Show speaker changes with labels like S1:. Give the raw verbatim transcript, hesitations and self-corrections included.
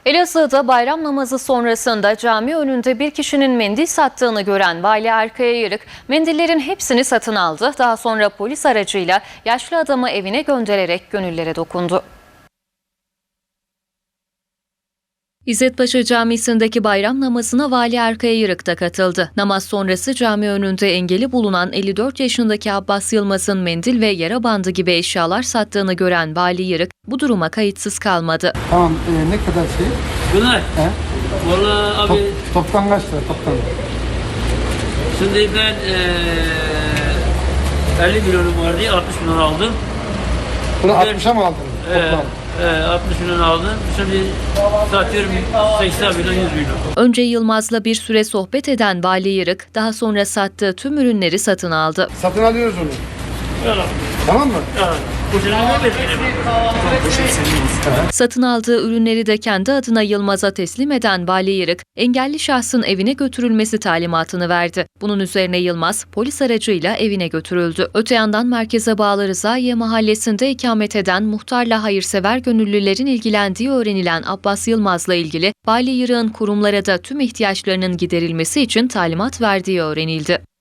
S1: Elazığ'da bayram namazı sonrasında cami önünde bir kişinin mendil sattığını gören Vali Erkaya Yırık, mendillerin hepsini satın aldı. Daha sonra polis aracıyla yaşlı adamı evine göndererek gönüllere dokundu. İzzetpaşa Camisi'ndeki bayram namazına Vali Erkaya Yırık da katıldı. Namaz sonrası cami önünde engeli bulunan elli dört yaşındaki Abbas Yılmaz'ın mendil ve yara bandı gibi eşyalar sattığını gören Vali Yırık bu duruma kayıtsız kalmadı.
S2: Tamam, e, ne kadar şey?
S3: Bunlar?
S2: He?
S3: Vallahi abi...
S2: Top, toptan kaç lira toptan?
S3: Şimdi ben ee, elli milyonum vardı, altmış milyon aldım.
S2: Bunu
S3: Ben-
S2: altmışa mı aldın?
S3: Ee,
S2: Toplam.
S3: ee, altmış milyon aldım. Şimdi satıyorum seksen milyon, yüz milyon.
S1: Önce Yılmaz'la bir süre sohbet eden Vali Yırık, daha sonra sattığı tüm ürünleri satın aldı.
S2: Satın alıyoruz onu.
S3: Yalan.
S2: Tamam mı?
S3: Yalan. Bu sene ne bekledim?
S1: Satın aldığı ürünleri de kendi adına Yılmaz'a teslim eden Vali Yırık, engelli şahsın evine götürülmesi talimatını verdi. Bunun üzerine Yılmaz, polis aracıyla evine götürüldü. Öte yandan merkeze bağlı Rızaiye Mahallesi'nde ikamet eden muhtarla hayırsever gönüllülerin ilgilendiği öğrenilen Abbas Yılmaz'la ilgili Vali Yırık'ın kurumlara da tüm ihtiyaçlarının giderilmesi için talimat verdiği öğrenildi.